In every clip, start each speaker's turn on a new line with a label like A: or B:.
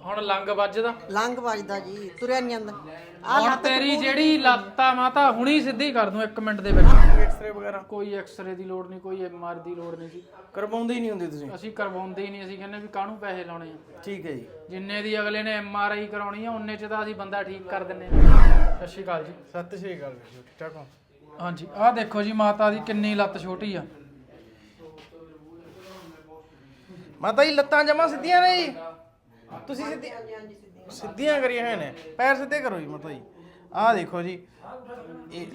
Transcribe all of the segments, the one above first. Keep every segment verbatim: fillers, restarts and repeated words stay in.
A: ਹੁਣ ਲੰਗ ਵੱਜਦਾ
B: ਲੰਗ ਵੱਜਦਾ ਜੀ, ਤੁਰਿਆ ਨਹੀਂ ਜਾਂਦਾ।
A: ਹੁਣ ਤੇਰੀ ਜਿਹੜੀ ਲੱਤ ਆ ਮਾਤਾ ਹੁਣੀ ਸਿੱਧੀ ਕਰ ਦੂੰ ਇੱਕ ਮਿੰਟ ਦੇ ਵਿੱਚ।
C: ਐਕਸਰੇ ਵਗੈਰਾ
A: ਕੋਈ ਐਕਸਰੇ ਦੀ ਲੋੜ ਨਹੀਂ, ਕੋਈ ਐਮ ਆਰ ਦੀ ਲੋੜ ਨਹੀਂ ਜੀ,
C: ਕਰਵਾਉਂਦੇ ਹੀ ਨਹੀਂ ਹੁੰਦੇ ਤੁਸੀਂ?
A: ਅਸੀਂ ਕਰਵਾਉਂਦੇ ਹੀ ਨਹੀਂ। ਅਸੀਂ ਕਹਿੰਦੇ ਵੀ ਕਾਹਨੂੰ ਪੈਸੇ ਲਾਉਣੇ ਆ।
C: ਠੀਕ ਹੈ ਜੀ।
A: ਜਿੰਨੇ ਦੀ ਅਗਲੇ ਨੇ ਐਮ ਆਰ ਆਈ ਕਰਾਉਣੀ ਆ ਉਹਨੇ ਚ ਤਾਂ ਅਸੀਂ ਬੰਦਾ ਠੀਕ ਕਰ ਦਿੰਨੇ ਆ। ਸਤਿ ਸ਼੍ਰੀ ਅਕਾਲ ਜੀ।
C: ਸਤਿ ਸ਼੍ਰੀ ਅਕਾਲ ਜੀ, ਠੀਕ ਠਾਕ ਹੋ?
A: ਹਾਂਜੀ ਆਹ ਦੇਖੋ ਜੀ ਮਾਤਾ ਦੀ ਕਿੰਨੀ ਲੱਤ ਛੋਟੀ ਆ।
C: ਮਾਤਾ ਜੀ ਲੱਤਾਂ ਜਮਾ ਸਿੱਧੀਆਂ ਨੇ ਜੀ? ਤੁਸੀਂ ਸਿੱਧੀ ਸਿੱਧੀਆਂ ਕਰੀਆਂ ਹੋਏ ਨੇ, ਪੈਰ ਸਿੱਧੇ ਕਰੋ ਜੀ ਮਾਤਾ ਜੀ। ਆਹ ਦੇਖੋ ਜੀ, ਇਹ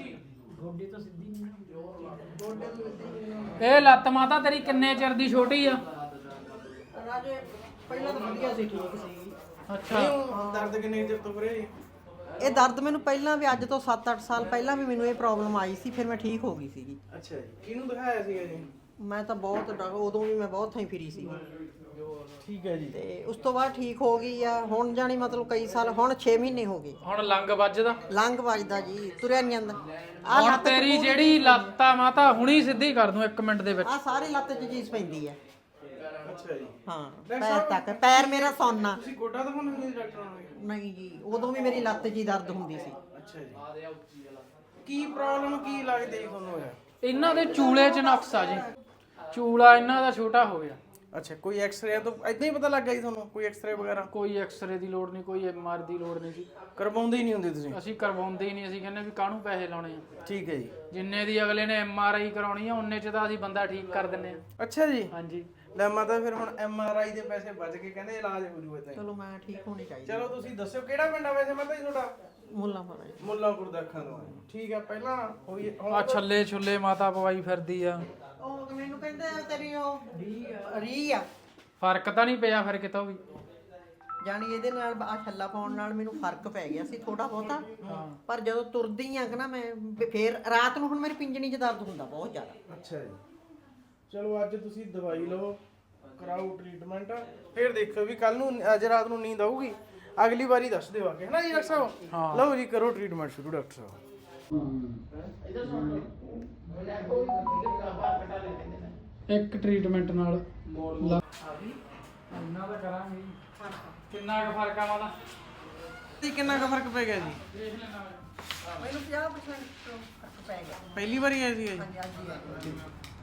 A: ਇਹ ਲੱਤ ਮਾਤਾ ਤੇਰੀ ਕਿੰਨੇ ਚਿਰ ਦੀ ਛੋਟੀ ਆ?
B: ਰਾਜੇ ਪਹਿਲਾਂ ਤਾਂ ਵਧੀਆ ਸੀ, ਠੀਕ ਸੀ।
A: ਅੱਛਾ
C: ਦਰਦ ਕਿੰਨੇ ਚਿਰ ਤੋਂ ਕਰੇ ਜੀ?
B: ਇਹ ਦਰਦ ਮੈਨੂੰ ਪਹਿਲਾਂ ਵੀ, ਅੱਜ ਤੋਂ ਸੱਤ ਅੱਠ ਸਾਲ ਪਹਿਲਾਂ ਵੀ ਮੈਨੂੰ ਇਹ ਪ੍ਰੋਬਲਮ ਆਈ ਸੀ, ਫਿਰ ਮੈਂ ਠੀਕ ਹੋ ਗਈ ਸੀਗੀ।
C: ਅੱਛਾ ਜੀ। ਕਿਹਨੂੰ ਦਿਖਾਇਆ ਸੀਗਾ ਜੀ?
B: ਮੈਂ ਤਾਂ ਬਹੁਤ ਡ- ਉਦੋਂ ਵੀ ਮੈਂ ਬਹੁਤ ਥਾਂ ਫਿਰੀ ਸੀ
C: ਠੀਕ ਹੈ ਜੀ।
B: ਤੇ ਉਸ ਤੋਂ ਬਾਅਦ ਠੀਕ ਹੋ ਗਈ ਆ। ਹੁਣ ਜਾਣੀ ਮਤਲਬ ਕਈ ਸਾਲ, ਹੁਣ ਛੇ ਮਹੀਨੇ ਹੋ ਗਏ।
A: ਹੁਣ ਲੰਗ ਵੱਜਦਾ
B: ਲੰਗ ਵੱਜਦਾ ਜੀ, ਤੁਰਿਆ ਨਹੀਂ ਜਾਂਦਾ।
A: ਹੁਣ ਤੇਰੀ ਜਿਹੜੀ ਲੱਤ ਆ ਮਾਤਾ ਹੁਣੀ ਸਿੱਧੀ ਕਰ ਦੂੰ ਇੱਕ ਮਿੰਟ ਦੇ ਵਿੱਚ।
B: ਆ ਸਾਰੀ ਲੱਤ 'ਚ ਚੀਜ਼ ਪੈਂਦੀ ਆ।
C: ਅੱਛਾ ਜੀ।
B: ਹਾਂ ਪੈਰ ਤੱਕ, ਪੈਰ ਮੇਰਾ ਸੌਨਾ
C: ਤੁਸੀਂ ਗੋਡਾ ਦਿਖਾਉਣਾ ਸੀ ਡਾਕਟਰ ਨੂੰ?
B: ਨਹੀਂ ਜੀ, ਉਦੋਂ ਵੀ ਮੇਰੀ ਲੱਤ 'ਚ ਹੀ ਦਰਦ ਹੁੰਦੀ ਸੀ।
C: ਅੱਛਾ ਜੀ। ਕੀ ਪ੍ਰੋਬਲਮ ਕੀ ਲੱਗਦੀ ਜੀ ਤੁਹਾਨੂੰ ਇਹ?
A: ਇਹਨਾਂ ਦੇ ਚੂਲੇ 'ਚ ਨੁਕਸ ਆ ਜੀ, ਚੂਲਾ ਇਹਨਾਂ ਦਾ ਛੋਟਾ ਹੋ ਗਿਆ।
C: ਅੱਛਾ, ਕੋਈ ਐਕਸਰੇ ਤੋਂ ਇਦਾਂ ਹੀ ਪਤਾ ਲੱਗ ਗਿਆ ਜੀ ਤੁਹਾਨੂੰ? ਕੋਈ ਐਕਸਰੇ ਵਗੈਰਾ?
A: ਕੋਈ ਐਕਸਰੇ ਦੀ ਲੋੜ ਨਹੀਂ, ਕੋਈ ਐਮ ਆਰ ਦੀ ਲੋੜ ਨਹੀਂ ਜੀ,
C: ਕਰਵਾਉਂਦੇ ਹੀ ਨਹੀਂ ਹੁੰਦੇ ਤੁਸੀਂ?
A: ਅਸੀਂ ਕਰਵਾਉਂਦੇ ਹੀ ਨਹੀਂ। ਅਸੀਂ ਕਹਿੰਦੇ ਵੀ ਕਾਹਨੂੰ ਪੈਸੇ ਲਾਉਣੇ ਆ।
C: ਠੀਕ ਹੈ ਜੀ।
A: ਜਿੰਨੇ ਦੀ ਅਗਲੇ ਨੇ ਐਮ ਆਰ ਆਈ ਕਰਾਉਣੀ ਆ ਉਹਨੇ ਚ ਤਾਂ ਅਸੀਂ ਬੰਦਾ ਠੀਕ ਕਰ ਦਿੰਨੇ ਆ।
C: ਅੱਛਾ ਜੀ।
A: ਹਾਂਜੀ
C: ਲੈ ਮਾਤਾ, ਫਿਰ ਹੁਣ ਐਮ ਆਰ ਆਈ ਦੇ ਪੈਸੇ ਬਚ ਕੇ ਕਹਿੰਦੇ ਇਲਾਜ ਹੋ ਜੂ ਇਦਾਂ ਹੀ।
B: ਚਲੋ ਮੈਂ ਠੀਕ ਹੋਣੀ ਚਾਹੀਦੀ।
C: ਚਲੋ ਤੁਸੀਂ ਦੱਸਿਓ ਕਿਹੜਾ ਪਿੰਡ ਆ ਵੈਸੇ ਮਾਤਾ ਜੀ ਤੁਹਾਡਾ?
B: ਮੁੱਲਾ ਮਾਰਾ ਜੀ।
C: ਮੁੱਲਾਂਪੁਰ ਦਾ ਅੱਖਾਂ ਤੋਂ। ਠੀਕ ਆ, ਪਹਿਲਾਂ ਹੋਈ ਹੁਣ
A: ਆ ਛੱਲੇ ਛੁੱਲੇ ਮਾਤਾ ਪਵਾਈ ਫਿਰਦੀ ਆ।
B: ਉਹ ਮੈਨੂੰ ਕਹਿੰਦੇ ਆ ਤੇਰੀ ਉਹ ਰੀ ਆ।
A: ਫਰਕ ਤਾਂ ਨਹੀਂ ਪਿਆ ਫਿਰ ਕਿਤੋਂ ਵੀ?
B: ਜਾਣੀ ਇਹਦੇ ਨਾਲ ਆ ਛੱਲਾ ਪਾਉਣ ਨਾਲ ਮੈਨੂੰ ਫਰਕ ਪੈ ਗਿਆ ਸੀ ਥੋੜਾ ਬਹੁਤਾ। ਪਰ ਜਦੋਂ ਤੁਰਦੀ ਆ ਕਿ ਨਾ ਮੈਂ, ਫੇਰ ਰਾਤ ਨੂੰ ਹੁਣ ਮੇਰੀ ਪਿੰਜਣੀ 'ਚ ਦਰਦ ਹੁੰਦਾ ਬਹੁਤ ਜ਼ਿਆਦਾ।
C: ਅੱਛਾ ਜੀ। ਚਲੋ ਅੱਜ ਤੁਸੀਂ ਦਵਾਈ ਲਓ, ਕਰਾਓ ਟ੍ਰੀਟਮੈਂਟ, ਫਿਰ ਦੇਖੋ ਵੀ ਕੱਲ ਨੂੰ ਅੱਜ ਰਾਤ ਨੂੰ ਨੀਂਦ ਆਊਗੀ। ਅਗਲੀ ਵਾਰੀ ਦੱਸ ਦਿਓ ਆ ਕੇ, ਹੈ ਨਾ ਜੀ ਡਾਕਟਰ ਸਾਹਿਬ?
A: ਹਾਂ।
C: ਲਓ ਜੀ, ਕਰੋ ਟ੍ਰੀਟਮੈਂਟ ਸ਼ੁਰੂ ਡਾਕਟਰ ਸਾਹਿਬ।
A: ਇੱਕ ਟ੍ਰੀਟਮੈਂਟ ਨਾਲ ਇੰਨਾ ਤਾਂ ਕਰਾਂਗੇ। ਕਿੰਨਾ ਕੁ ਫਰਕ ਆ ਮਾਤਾ?
C: ਤੇ ਕਿੰਨਾ ਕੁ ਫਰਕ ਪੈ ਗਿਆ ਜੀ?
A: ਦੇਖ ਲੈਣਾ
B: ਮੈਨੂੰ ਪੰਜਾਹ ਪਰਸੈਂਟ ਫਰਕ ਪੈ ਗਿਆ।
C: ਪਹਿਲੀ ਵਾਰੀ ਆਈ ਸੀ ਜੀ?
B: ਹਾਂਜੀ ਹਾਂਜੀ।